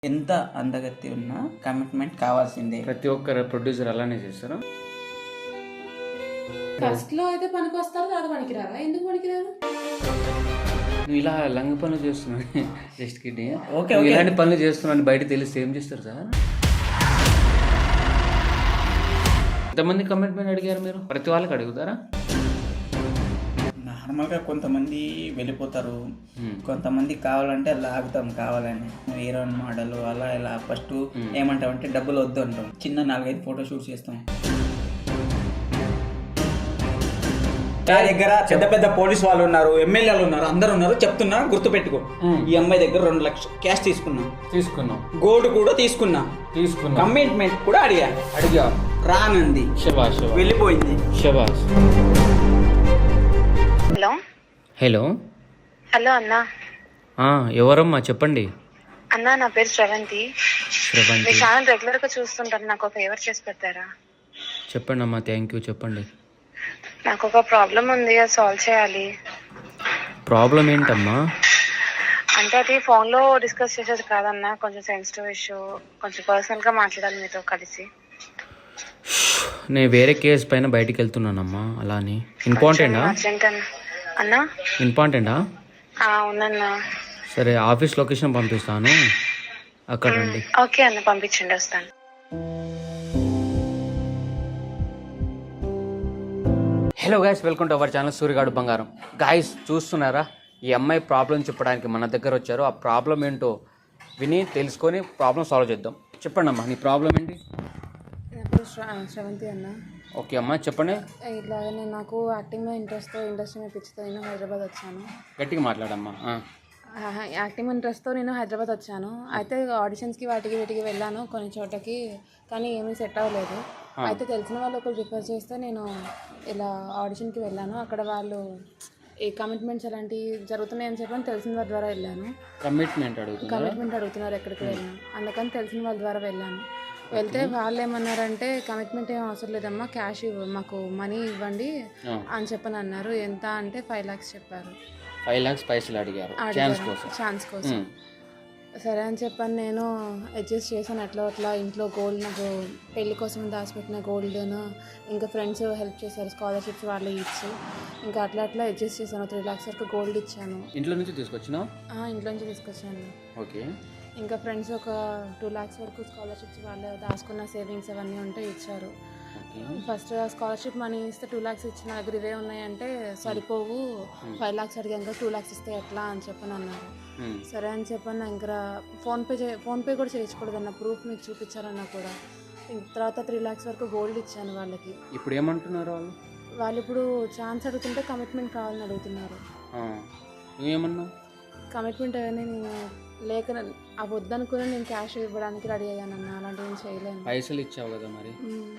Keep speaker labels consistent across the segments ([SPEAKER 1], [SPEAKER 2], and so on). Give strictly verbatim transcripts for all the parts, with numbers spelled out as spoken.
[SPEAKER 1] ఎంత అందగత్తి ఉన్నా కమిట్మెంట్ కావాల్సిందే.
[SPEAKER 2] ప్రతి ఒక్కరు ప్రొడ్యూసర్ అలానే చేస్తారు.
[SPEAKER 3] ఫస్ట్ లో అయితే పనికి వస్తారు, తర్వాత పనికిరారా? ఎందుకు పనికిరారు?
[SPEAKER 2] నువ్వు ఇలా లంగ పనులు చేస్తున్నావు జస్ట్ కిడ్నీ.
[SPEAKER 1] ఓకే
[SPEAKER 2] నువ్వు ఇలాంటి పనులు చేస్తున్నావు బయట తెలిస్తే ఏం చేస్తారు సార్? ఎంతమంది కమిట్మెంట్ అడిగారు మీరు? ప్రతి వాళ్ళకి అడుగుతారా?
[SPEAKER 1] నార్మల్గా కొంతమంది వెళ్ళిపోతారు, కొంతమంది కావాలంటే లాగుతాం కావాలని. హీరోయిన్ మోడల్ అలా ఇలా ఫస్ట్ ఏమంటామంటే డబ్బులు వద్దు అంటాం. చిన్న నాలుగైదు ఫోటో షూట్ చేస్తాం. నా దగ్గర పెద్ద పెద్ద పోలీస్ వాళ్ళు ఉన్నారు, ఎమ్మెల్యేలు ఉన్నారు, అందరు ఉన్నారు. చెప్తున్నా గుర్తుపెట్టుకో. ఈ అమ్మాయి దగ్గర రెండు లక్షలు క్యాష్ తీసుకున్నా, తీసుకున్నాం గోల్డ్ కూడా తీసుకున్నా, తీసుకున్నా కమిట్మెంట్ కూడా అడిగా అడిగా రానంది. శబాష్, వెళ్ళిపోయింది. శబాష్.
[SPEAKER 4] హలో
[SPEAKER 2] హలో
[SPEAKER 4] హలో అన్నా.
[SPEAKER 2] ఎవరమ్మా చెప్పండి.
[SPEAKER 4] అన్నా నా పేరు శ్రవంతి.
[SPEAKER 2] శ్రవంతి,
[SPEAKER 4] మీ ఛానల్ రెగ్యులర్ గా చూస్తుంటాను, నాకు ఒక ఫేవర్ చేసి పెడతారా?
[SPEAKER 2] చెప్పండి అమ్మా. థ్యాంక్ యూ, చెప్పండి.
[SPEAKER 4] నాకు ఒక ప్రాబ్లం ఉంది, అది సాల్వ్ చేయాలి.
[SPEAKER 2] ప్రాబ్లం ఏంటమ్మా?
[SPEAKER 4] అంటే అది ఫోన్ లో డిస్కస్ చేసేది కాదన్నా, కొంచెం సెన్సిటివ్ ఇష్యూ, కొంచెం పర్సనల్ గా మాట్లాడాలి మీతో కలిసి.
[SPEAKER 2] నేను వేరే కేసు పైన బయటికి వెళ్తున్నానమ్మా. అలానే ఇంపార్టెంటా?
[SPEAKER 4] అర్జెంట్ అన్నా. అన్నా
[SPEAKER 2] ఇంపార్టెంటా?
[SPEAKER 4] అవునన్నా.
[SPEAKER 2] సరే, ఆఫీస్ లొకేషన్ పంపిస్తాను, అక్కడ రండి.
[SPEAKER 4] ఓకే అన్న, పంపించండి, వస్తాను.
[SPEAKER 2] Hello guys, welcome to our channel సూర్యగాడు బంగారం. గైస్ చూస్తున్నారా, ఈ అమ్మాయి ప్రాబ్లం చెప్పడానికి మన దగ్గర వచ్చారు. ఆ ప్రాబ్లం ఏంటో విని తెలుసుకొని ప్రాబ్లం సాల్వ్ చేద్దాం. చెప్పండి అమ్మా, నీ ప్రాబ్లం ఏంటి?
[SPEAKER 3] నా పేరు శ్ర- శ్రవంతి అన్న.
[SPEAKER 2] ఓకే అమ్మా, చెప్పండి.
[SPEAKER 3] ఇట్లాగా నేను నాకు యాక్టింగ్ ఇంట్రెస్ట్తో ఇండస్ట్రీ మీద పిచ్చితో నేను హైదరాబాద్ వచ్చాను.
[SPEAKER 2] గట్టిగా మాట్లాడమ్మా.
[SPEAKER 3] ఆహా, యాక్టింగ్ ఇంట్రెస్ట్తో నేను హైదరాబాద్ వచ్చాను. అయితే ఆడిషన్స్కి వాటికి వీటికి వెళ్ళాను కొన్ని చోటకి, కానీ ఏమీ సెట్ అవ్వలేదు. అయితే తెలిసిన వాళ్ళు ఒకరు రిఫర్ చేస్తే నేను ఇలా ఆడిషన్కి వెళ్ళాను. అక్కడ వాళ్ళు ఈ కమిట్మెంట్స్ అలాంటివి జరుగుతున్నాయని చెప్పని తెలిసిన వాళ్ళ ద్వారా వెళ్ళాను.
[SPEAKER 2] కమిట్మెంట్ అడుగుతున్నారు
[SPEAKER 3] కమిట్మెంట్ అడుగుతున్నారు ఎక్కడికి వెళ్ళాను, అందుకని తెలిసిన వాళ్ళ ద్వారా వెళ్ళాను. వెళ్తే వాళ్ళు ఏమన్నారంటే కమిట్మెంట్ ఏం అవసరం లేదమ్మా, క్యాష్ ఇవ్వ మాకు మనీ ఇవ్వండి అని చెప్పని అన్నారు. ఎంత అంటే ఫైవ్ ల్యాక్స్ చెప్పారు.
[SPEAKER 2] ఫైవ్ ల్యాక్స్ పైసలు అడిగారు ఛాన్స్ కోసం.
[SPEAKER 3] ఛాన్స్ కోసం సరే అని చెప్పని నేను అడ్జస్ట్ చేశాను. ఎట్లా అట్లా ఇంట్లో గోల్డ్, నాకు పెళ్లి కోసం దాచిపెట్టిన గోల్డ్ను, ఇంకా ఫ్రెండ్స్ హెల్ప్ చేశారు, స్కాలర్షిప్స్ వాళ్ళు ఇచ్చి, ఇంకా అట్లా అట్లా అడ్జస్ట్ చేశాను. త్రీ ల్యాక్స్ వరకు గోల్డ్ ఇచ్చాను.
[SPEAKER 2] ఇంట్లో నుంచి తీసుకొచ్చినా?
[SPEAKER 3] ఇంట్లో నుంచి తీసుకొచ్చాను.
[SPEAKER 2] ఓకే.
[SPEAKER 3] ఇంకా ఫ్రెండ్స్ ఒక టూ ల్యాక్స్ వరకు స్కాలర్షిప్స్ వాళ్ళు దాచుకున్న సేవింగ్స్ అవన్నీ ఉంటే ఇచ్చారు. ఫస్ట్ స్కాలర్షిప్ మనీ ఇస్తే టూ ల్యాక్స్ ఇచ్చిన దగ్గర ఇవే ఉన్నాయంటే సరిపోవు, ఫైవ్ ల్యాక్స్ అడిగాక టూ ల్యాక్స్ ఇస్తే ఎట్లా అని చెప్పని అన్నారు. సరే అని చెప్పని ఇంకా ఫోన్పే చే ఫోన్పే కూడా చేయించకూడదన్న, ప్రూఫ్ మీకు చూపించారన్నా కూడా. తర్వాత త్రీ ల్యాక్స్ వరకు గోల్డ్ ఇచ్చాను వాళ్ళకి.
[SPEAKER 2] ఇప్పుడు ఏమంటున్నారు వాళ్ళు?
[SPEAKER 3] వాళ్ళు ఇప్పుడు ఛాన్స్ అడుగుతుంటే కమిట్మెంట్ కావాలని అడుగుతున్నారు.
[SPEAKER 2] నువ్వేమన్నా?
[SPEAKER 3] కమిట్మెంట్ అవన్నీ నేను లేక ఆ వద్దనుకుని నేను క్యాష్ ఇవ్వడానికి రెడీ అయ్యానన్నా, అలాంటివి చేయలేను.
[SPEAKER 2] పైసలు ఇచ్చావు కదా మరి,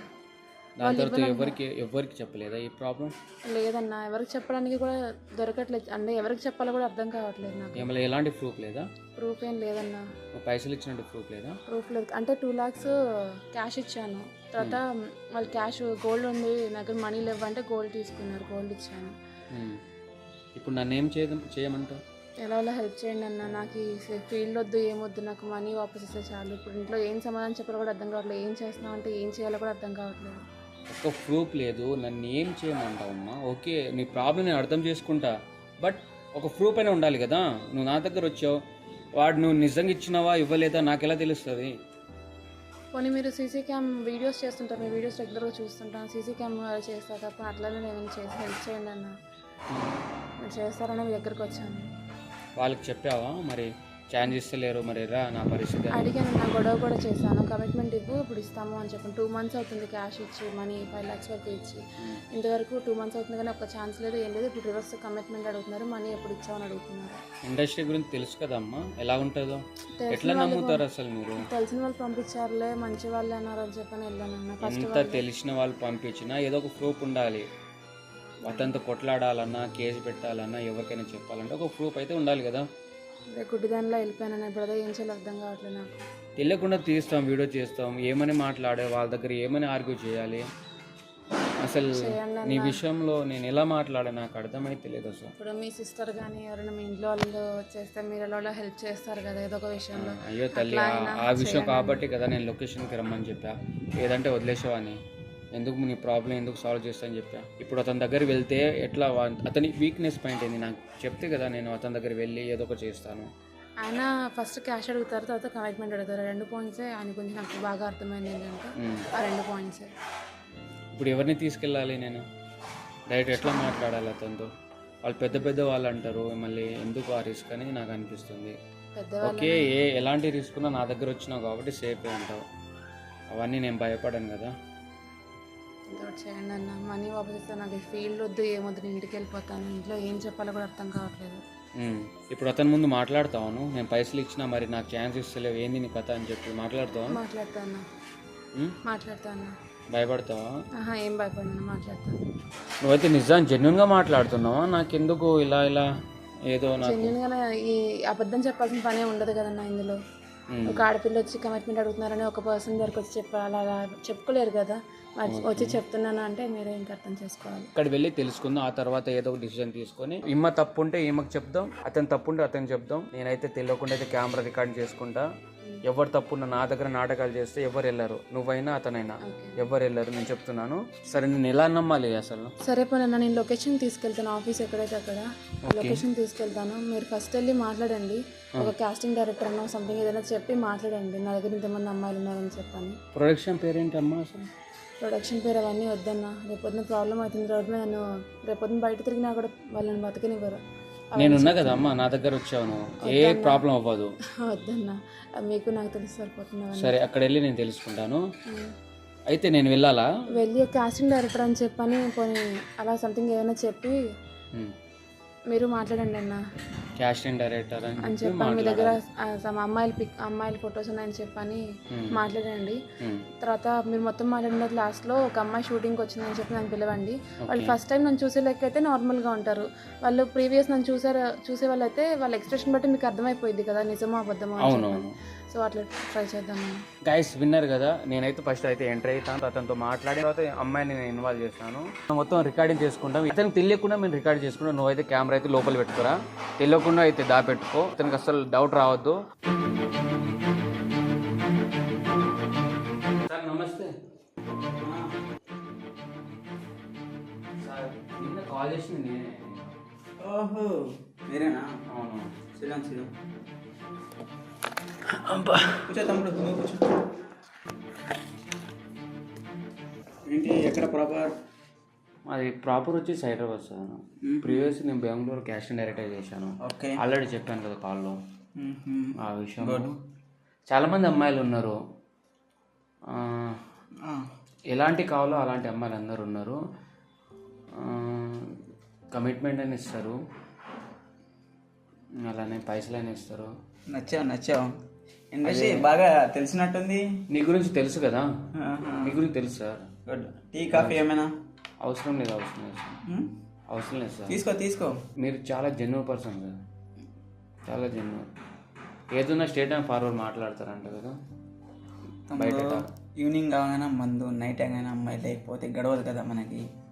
[SPEAKER 2] దాని తర్వాత ఎవరికి ఎవరికి చెప్పలేదా ఈ ప్రాబ్లం?
[SPEAKER 3] లేదన్నా, ఎవరికి చెప్పడానికి కూడా దొరకట్లేదు. అంటే ఎవరికి చెప్పాలో కూడా అర్థం కావట్లేదు నాకు.
[SPEAKER 2] ఏమైనా ఎలాంటి ప్రూఫ్ లేదా?
[SPEAKER 3] ప్రూఫ్ ఏం లేదన్నా.
[SPEAKER 2] పైసలు ఇచ్చినట్టు ప్రూఫ్ లేదా?
[SPEAKER 3] ప్రూఫ్ లేదు. అంటే టూ ల్యాక్స్ క్యాష్ ఇచ్చాను, తర్వాత వాళ్ళు క్యాష్ గోల్డ్ ఉంది నా దగ్గర మనీ లేవంటే గోల్డ్ తీసుకున్నారు, గోల్డ్ ఇచ్చాను.
[SPEAKER 2] ఇప్పుడు నన్ను ఏం చేయ చేయమంటావు?
[SPEAKER 3] ఎలా ఎలా హెల్ప్ చేయండి అన్న, నాకు ఈ ఫీల్డ్ వద్దు, ఏమొద్దు, నాకు మనీ వాపస్ ఇస్తే చాలు. ఇప్పుడు ఇంట్లో ఏం సమాధానం చెప్పాలో కూడా అర్థం కావట్లేదు, ఏం చేస్తున్నావు అంటే ఏం చేయాలో కూడా అర్థం కావట్లేదు.
[SPEAKER 2] ఒక ప్రూఫ్ లేదు, నన్ను ఏం చేయమంటావమ్మా? ఓకే, నీ ప్రాబ్లం నేను అర్థం చేసుకుంటా, బట్ ఒక ప్రూఫ్ అయినా ఉండాలి కదా. నువ్వు నా దగ్గర వచ్చావు, వాడు నువ్వు నిజంగా ఇచ్చినావా ఇవ్వలేదా నాకు ఎలా తెలుస్తుంది?
[SPEAKER 3] పోనీ మీరు సీసీ క్యామ్ వీడియోస్ చేస్తుంటారు, మీ వీడియోస్ రెగ్యులర్గా చూస్తుంటాను, సీసీ క్యామ్ చేస్తా తప్ప అట్లానే నేను చేసి హెల్ప్ చేయండి అన్న, మీరు చేస్తారని మీ దగ్గరకు వచ్చాను.
[SPEAKER 2] వాళ్ళకి చెప్పావా మరి? ఛాన్స్ ఇస్తలేరు మరి రా నా పరిస్థితి?
[SPEAKER 3] అడిగాను, నా గొడవ కూడా చేశాను. కమిట్మెంట్ ఇవ్వు ఇప్పుడు ఇస్తాము అని చెప్పాను. టూ మంత్స్ అవుతుంది క్యాష్ ఇచ్చి, మనీ ఫైవ్ ల్యాక్స్ వరకు ఇచ్చి, ఇంతవరకు టూ మంత్స్ అవుతుంది కానీ ఒక ఛాన్స్ లేదు, ఏం లేదు. ఇప్పుడు రివర్స్ కమిట్మెంట్ అడుగుతున్నారు, మనీ ఎప్పుడు ఇచ్చామని అడుగుతున్నారు.
[SPEAKER 2] ఇండస్ట్రీ గురించి తెలుసు కదమ్మా, ఎలా ఉంటుందో, ఎట్లా నమ్ముతారు అసలు మీరు?
[SPEAKER 3] తెలిసిన వాళ్ళు పంపించారులే, మంచి వాళ్ళు అన్నారు అని చెప్పని వెళ్ళానన్న. ఫస్ట్
[SPEAKER 2] ఎంత తెలిసిన వాళ్ళు పంపించినా ఏదో ఒక ప్రూఫ్ ఉండాలి. అతనితో కొట్లాడాలన్నా, కేసు పెట్టాలన్నా, ఎవరికైనా చెప్పాలంటే ఒక ప్రూఫ్ అయితే ఉండాలి కదా.
[SPEAKER 3] గుడ్డి దానిలో వెళ్ళిపోయాను, ఇప్పుడు అదే ఏం చేయాలో అర్థం కావట్లేదు నాకు.
[SPEAKER 2] తెలియకుండా తీస్తాం, వీడియో చేస్తాం, ఏమని మాట్లాడే వాళ్ళ దగ్గర ఏమని ఆర్గ్యూ చేయాలి? అసలు
[SPEAKER 3] చేయండి
[SPEAKER 2] నీ
[SPEAKER 3] అన్న.
[SPEAKER 2] విషయంలో నేను ఎలా మాట్లాడా నాకు అర్థమైతే లేదు అసలు.
[SPEAKER 3] ఇప్పుడు మీ సిస్టర్ కానీ ఎవరైనా మీ ఇంట్లో వాళ్ళు చేస్తే మీరు ఎలా హెల్ప్ చేస్తారు కదా ఏదో ఒక విషయంలో.
[SPEAKER 2] అయ్యో తల్లి,
[SPEAKER 3] అట్లా
[SPEAKER 2] ఆ-
[SPEAKER 3] అయినా
[SPEAKER 2] ఆ విషయం
[SPEAKER 3] చేయండి
[SPEAKER 2] కాబట్టి కదా నేను లొకేషన్కి రమ్మని చెప్పా, ఏదంటే వదిలేసావని. ఎందుకు నీ ప్రాబ్లం ఎందుకు సాల్వ్ చేస్తా అని చెప్పా. ఇప్పుడు అతని దగ్గర వెళ్తే ఎట్లా, వా- అతని వీక్నెస్ పాయింట్ ఏంది నాకు చెప్తే కదా నేను అతని దగ్గర వెళ్ళి ఏదో ఒకటి చేస్తాను.
[SPEAKER 3] ఆయన ఫస్ట్ క్యాష్ అడుగుతారు, తర్వాత కమిట్మెంట్ అడుగుతారు. రెండు పాయింట్సే ఆయన గురించి నాకు బాగా అర్థమైంది ఏంటంటే
[SPEAKER 2] మ్మ్.
[SPEAKER 3] ఆ రెండు పాయింట్సే.
[SPEAKER 2] ఇప్పుడు ఎవరిని తీసుకెళ్ళాలి నేను? డైరెక్ట్ ఎట్లా మాట్లాడాలి అతనితో? వాళ్ళు పెద్ద పెద్ద వాళ్ళు అంటారు, మళ్ళీ ఎందుకు ఆ రిస్క్ అనేది నాకు అనిపిస్తుంది.
[SPEAKER 3] పెద్దవాళ్ళు
[SPEAKER 2] ఓకే, ఏ ఎలాంటి రిస్క్ ఉన్నా నా దగ్గర వచ్చినావు కాబట్టి సేఫే ఉంటావు. అవన్నీ నేను భయపడాను కదా.
[SPEAKER 3] ఇంకోటి చేయండి అన్న. మనీ వాపస్ ఇస్తే నాకు ఫీల్డ్ వద్దు, ఏమొద్దు, నేను ఇంటికి వెళ్ళిపోతాను. ఇంట్లో ఏం చెప్పాలో కూడా అర్థం కావట్లేదు.
[SPEAKER 2] ఉమ్, ఇప్పుడు అతని ముందు మాట్లాడతాను, నేను పైసలు ఇచ్చినా మరి నాకు ఛాన్స్ ఇస్తలేవు, ఏంది నీ కథ అని చెప్పి మాట్లాడతావా?
[SPEAKER 3] మాట్లాడతాను
[SPEAKER 2] ఉమ్,
[SPEAKER 3] మాట్లాడతాను
[SPEAKER 2] భయపడతావా?
[SPEAKER 3] ఆహా ఏం భయపడినా మాట్లాడతాను.
[SPEAKER 2] నువ్వైతే నిజాన్ని జెన్యున్గా మాట్లాడుతున్నావా? నాకెందుకు ఇలా ఇలా ఏదో నాకు
[SPEAKER 3] జెన్యున్గానే ఈ అబద్ధం చెప్పాల్సిన పనే ఉండదు కదన్నా ఇందులో.
[SPEAKER 2] ఉమ్,
[SPEAKER 3] ఒక ఆడపిల్ల వచ్చి కమిట్మెంట్ అడుగుతున్నారని ఒక పర్సన్ దగ్గరకు వచ్చి చెప్పాలి, అలా చెప్పుకోలేరు కదా. మరి వచ్చి చెప్తున్నాను అంటే మీరే ఇంకా అర్థం చేసుకోవాలి.
[SPEAKER 2] ఇక్కడ వెళ్ళి తెలుసుకుందాం, ఆ తర్వాత ఏదో ఒక డిసిజన్ తీసుకొని ఈమె తప్పు ఉంటే ఈమెకు చెప్దాం, అతను తప్పు ఉంటే అతను చెప్దాం. నేనైతే తెలియకుండా అయితే కెమెరా రికార్డ్ చేసుకుంటా. ఎవరు తప్పున్న నా దగ్గర నాటకాలు చేస్తే ఎవరు వెళ్ళరు, నువ్వైనా అతనైనా ఎవరు వెళ్ళరు, నేను చెప్తున్నాను. సరే నేను ఎలా నమ్మాలి అసలు?
[SPEAKER 3] సరే పోనన్నా, నేను లొకేషన్ తీసుకెళ్తాను, ఆఫీస్ ఎక్కడైతే అక్కడ లొకేషన్ తీసుకెళ్తాను. మీరు ఫస్ట్ వెళ్ళి మాట్లాడండి, ఒక కాస్టింగ్ డైరెక్టర్ అన్న సంథింగ్ ఏదైనా చెప్పి మాట్లాడండి, నా దగ్గర ఇంతమంది అమ్మాయిలు ఉన్నారని చెప్పని.
[SPEAKER 2] ప్రొడక్షన్ పేరేంటి అమ్మా అసలు?
[SPEAKER 3] ప్రొడక్షన్ పేరు అవన్నీ వద్దన్నా, రేపొద్దున ప్రాబ్లం అవుతుంది. రోడ్డు మీద నన్ను రేపొద్దున బయట తిరిగినా కూడా వాళ్ళని బతకనివ్వరు.
[SPEAKER 2] నేనున్నా కదా అమ్మా, నా దగ్గర వచ్చావు నువ్వు, ఏ ప్రాబ్లం అవ్వదు.
[SPEAKER 3] వద్దన్నా, అది మీకు నాకు తెలిసి సరిపోతున్నాను.
[SPEAKER 2] సరే అక్కడ వెళ్ళి నేను తెలుసుకుంటాను. అయితే నేను వెళ్ళాలా?
[SPEAKER 3] వెళ్ళి కాస్టింగ్ డైరెక్టర్ అని చెప్పని పోనీ అలా సంథింగ్ ఏదైనా చెప్పి
[SPEAKER 2] ఉమ్,
[SPEAKER 3] మీరు మాట్లాడండి అన్న
[SPEAKER 2] క్యాస్టింగ్ డైరెక్టర్ అని
[SPEAKER 3] అని
[SPEAKER 2] చెప్పి
[SPEAKER 3] చెప్పని. మీ దగ్గర
[SPEAKER 2] మాట్లాడాలి.
[SPEAKER 3] ఆ, సమ అమ్మాయిల పిక్ అమ్మాయిల ఫొటోస్ ఉన్నాయని చెప్పని
[SPEAKER 2] ఉమ్,
[SPEAKER 3] మాట్లాడండి.
[SPEAKER 2] ఉమ్,
[SPEAKER 3] తర్వాత మీరు మొత్తం మాట్లాడిన లాస్ట్లో ఒక అమ్మాయి షూటింగ్కి వచ్చిందని చెప్పి నన్ను పిలవండి. వాళ్ళు ఫస్ట్ టైం నన్ను చూసే లెక్క అయితే నార్మల్గా ఉంటారు. వాళ్ళు ప్రీవియస్ నన్ను చూసారు చూసే వాళ్ళు అయితే వాళ్ళ ఎక్స్ప్రెషన్ బట్టి మీకు అర్థమైపోయింది కదా నిజమో అబద్ధమో అని
[SPEAKER 2] అవును
[SPEAKER 3] చెప్పని. సో అట్లా ట్రై చేద్దాం.
[SPEAKER 2] గైస్ విన్నర్ కదా. నేనైతే ఫస్ట్ అయితే ఎంటర్ అవుతాను, అతనితో మాట్లాడిన తర్వాత అమ్మాయిని నేను ఇన్వాల్వ్ చేస్తాను. మొత్తం రికార్డింగ్ చేసుకుంటాం. అతనికి తెలియకుండా మేము రికార్డ్ చేసుకుంటాం. నువ్వైతే కెమెరా అయితే లోపల పెట్టుకోరా, తెలియకుండా అయితే దాపెట్టుకో, అతనికి అసలు డౌట్ రావద్దు. సార్ నమస్తే. సార్ నిన్న కాల్ చేసింది నేనే.
[SPEAKER 1] ఓహో మీరేనా?
[SPEAKER 2] అవును.
[SPEAKER 1] శ్రీరామ్ శ్రీరామ్ కూర్చో తమ్ముడు, నువ్వు కూర్చో. ఏంటి ఎక్కడ ప్రాపర్?
[SPEAKER 2] అది ప్రాపర్ వచ్చి హైదరాబాద్ సార్. ప్రీవియస్ నేను బెంగళూరు క్యాస్టింగ్ డైరెక్టర్ చేశాను.
[SPEAKER 1] ఓకే.
[SPEAKER 2] ఆల్రెడీ చెప్పాను కదా కాల్లో
[SPEAKER 1] మ్మ్.
[SPEAKER 2] ఆ విషయం. చాలామంది అమ్మాయిలు ఉన్నారు, ఆ,
[SPEAKER 1] ఆ.
[SPEAKER 2] ఎలాంటి కావాలో అలాంటి అమ్మాయిలు అందరూ ఉన్నారు. కమిట్మెంట్ అని ఇస్తారు, అలానే పైసలు అని ఇస్తారు.
[SPEAKER 1] నచ్చావు నచ్చావు. ఇండస్ట్రీ బాగా తెలిసినట్టుంది.
[SPEAKER 2] నీ గురించి తెలుసు కదా,
[SPEAKER 1] ఆహా.
[SPEAKER 2] మీ గురించి తెలుసు సార్.
[SPEAKER 1] గుడ్. టీ కాఫీ ఏమైనా?
[SPEAKER 2] అవసరం లేదు, అవసరం లేదు సార్,
[SPEAKER 1] మ్మ్?
[SPEAKER 2] అవసరం లేదు సార్.
[SPEAKER 1] తీసుకో తీసుకో.
[SPEAKER 2] మీరు చాలా జెన్యున్ పర్సన్ కదా, చాలా జెన్యున్. ఏదన్నా స్టేట్ అండ్ ఫార్వర్డ్ మాట్లాడతారంట కదా బయట.
[SPEAKER 1] ఈవినింగ్ కాగానే మందు, నైట్ అయినా అమ్మాయి లేకపోతే గడవదు కదా మనకి.